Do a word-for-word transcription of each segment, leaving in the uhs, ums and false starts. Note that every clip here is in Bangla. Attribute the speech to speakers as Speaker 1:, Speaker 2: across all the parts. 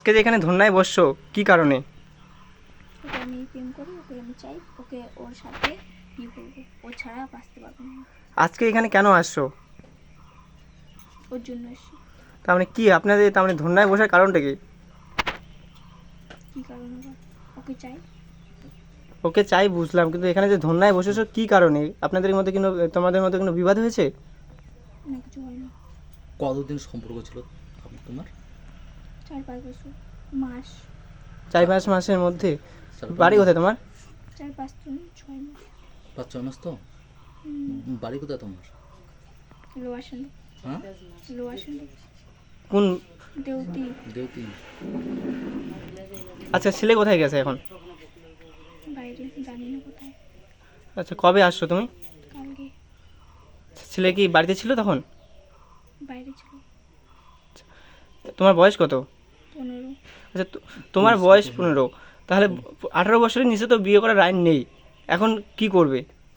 Speaker 1: আজকে যে এখানে ধন্যায় বসছো কি কারণে?
Speaker 2: ওকে আমি প্রেম করি, ওকে আমি চাই, ওকে ওর সাথে বিয়ে করবো, ও ছাড়া বাঁচতে পারবো না।
Speaker 1: আজকে এখানে কেন আসছো?
Speaker 2: ওর জন্য এসেছি।
Speaker 1: তার মানে কি আপনাদের, তার মানে ধন্যায় বসার কারণটা কি?
Speaker 2: কী কারণ আবার? ওকে চাই।
Speaker 1: ওকে চাই বুঝলাম, কিন্তু এখানে যে ধন্যায় বসেছো কি কারণে? আপনাদের মধ্যে কোনো, তোমাদের মধ্যে কোনো বিবাদ হয়েছে?
Speaker 2: না, কিছু হয়নি।
Speaker 3: কতদিন সম্পর্ক ছিল আপ- তোমার?
Speaker 2: চার পাঁচ বছর মাস।
Speaker 1: চার পাঁচ মাসের মধ্যে?
Speaker 3: চার পাঁচ
Speaker 1: বাড়ি
Speaker 3: মাস?
Speaker 1: কোথায় তোমার?
Speaker 2: চার পাঁচ দিন ছয় মাস।
Speaker 3: পাঁচ ছয় মাস তো? বাড়ি কোথায় তোমার?
Speaker 2: লোয়ার সন্ধি।
Speaker 3: হ্যাঁ,
Speaker 2: লোয়ার সন্ধি।
Speaker 1: কোন?
Speaker 2: দেউতি।
Speaker 3: দেউতি।
Speaker 1: আচ্ছা, ছেলে কোথায় গেছে এখন?
Speaker 2: বাইরে, জানি না কোথায়।
Speaker 1: আচ্ছা, কবে আসছো তুমি?
Speaker 2: কালকে।
Speaker 1: ছেলে কি বাড়িতে ছিল তখন?
Speaker 2: বাইরে ছিল।
Speaker 1: তোমার বয়স কত?
Speaker 2: পনেরো।
Speaker 1: আচ্ছা, তো- তোমার বয়স পনেরো, তাহলে আঠারো বছরের নিচে তো বিয়ে করার আইন নেই। এখন কি করবে?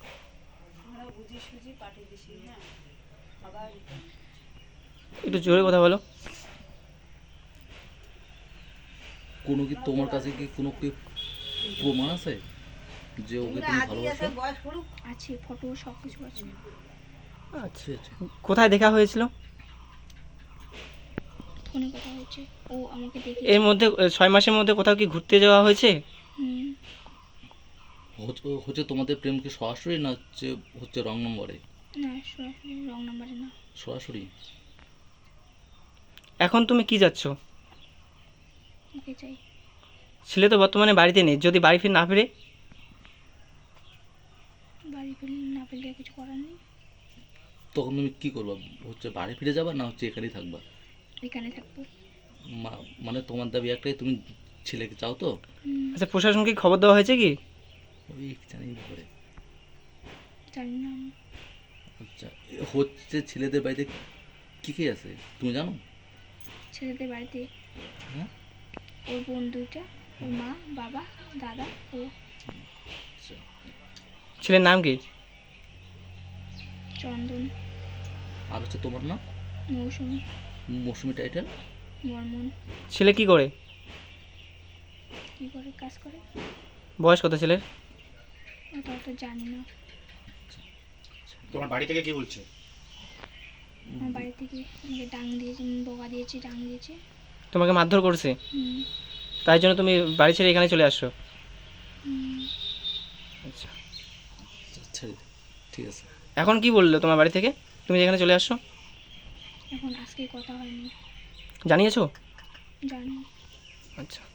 Speaker 1: একটু জোরে কথা বলো।
Speaker 3: কোনো কি তোমার কাছে কি কোনো কি প্রমাণ আছে যে ওকে তুমি ভালোবাসো?
Speaker 2: আছে, ফটো সব কিছু আছে।
Speaker 1: আচ্ছা,
Speaker 3: আচ্ছা,
Speaker 1: কোথায় দেখা হয়েছিল?
Speaker 2: ফোনে কথা হয়েছে, ও আমাকে দেখে।
Speaker 1: এর মধ্যে আহ, ছয় মাসের মধ্যে কোথাও কি ঘুরতে যাওয়া হয়েছে?
Speaker 2: হুম।
Speaker 3: হচ্ছে- হচ্ছে তোমাদের প্রেম কি সরাসরি না হচ্ছে হচ্ছে রং নম্বরে?
Speaker 2: না, সরাসরি রং নাম্বারে না।
Speaker 3: সরাসরি।
Speaker 1: এখন তুমি কি যাচ্ছ?
Speaker 2: ওকে চাই।
Speaker 1: ছেলে তো বর্তমানে বাড়িতে নেই, যদি বাড়ি ফিরে না ফিরে?
Speaker 2: বাড়ি ফেলে না ফেললে কিছু করার নেই।
Speaker 3: তখন তুমি কি করবা? হচ্ছে বাড়ি ফিরে যাবা না হচ্ছে এখানেই থাকবা?
Speaker 2: এখানে থাকবো।
Speaker 3: মা- মানে তোমার দাবি একটাই, তুমি ছেলেকে চাও তো?
Speaker 2: হুম,
Speaker 1: আচ্ছা, প্রশাসনকে খবর দেওয়া হয়েছে কি?
Speaker 3: ওই জানি করে।
Speaker 2: জানি না আমি।
Speaker 3: আচ্ছা, হচ্ছে ছেলেদের বাড়িতে কি কি আছে তুমি জানো?
Speaker 2: ছেলেদের বাড়িতে
Speaker 3: হ্যাঁ,
Speaker 2: ওর বোন দুইটা, ওর মা, বাবা, দাদা, ও।
Speaker 3: আচ্ছা।
Speaker 1: ছেলের নাম কি?
Speaker 2: চন্দন।
Speaker 3: আর হচ্ছে তোমার নাম?
Speaker 2: মৌসুমি।
Speaker 3: মৌসুমি টাইটেল?
Speaker 2: বর্মন।
Speaker 1: ছেলে কি করে?
Speaker 2: কী করে কাজ করে
Speaker 1: বয়স কত ছেলের?
Speaker 2: ওটা তো জানি না।
Speaker 4: তোমার বাড়ি থেকে কি বলছে?
Speaker 2: আমার বাড়ি থেকে আমাকে ডাং দিয়েছে, বকা দিয়েছে, ডাং দিয়েছে।
Speaker 1: তোমাকে মারধর করছে?
Speaker 2: হুম।
Speaker 1: তাই জন্য তুমি বাড়ি ছেড়ে এখানে চলে আসছো?
Speaker 2: হুম।
Speaker 1: আচ্ছা,
Speaker 3: আচ্ছা, ঠিক আছে।
Speaker 1: এখন কি বললো তোমার বাড়ি থেকে তুমি এখানে চলে আসছো?
Speaker 2: এখন আজকে কথা হয়নি।
Speaker 1: জানিয়েছো?
Speaker 2: জানি।
Speaker 1: আচ্ছা।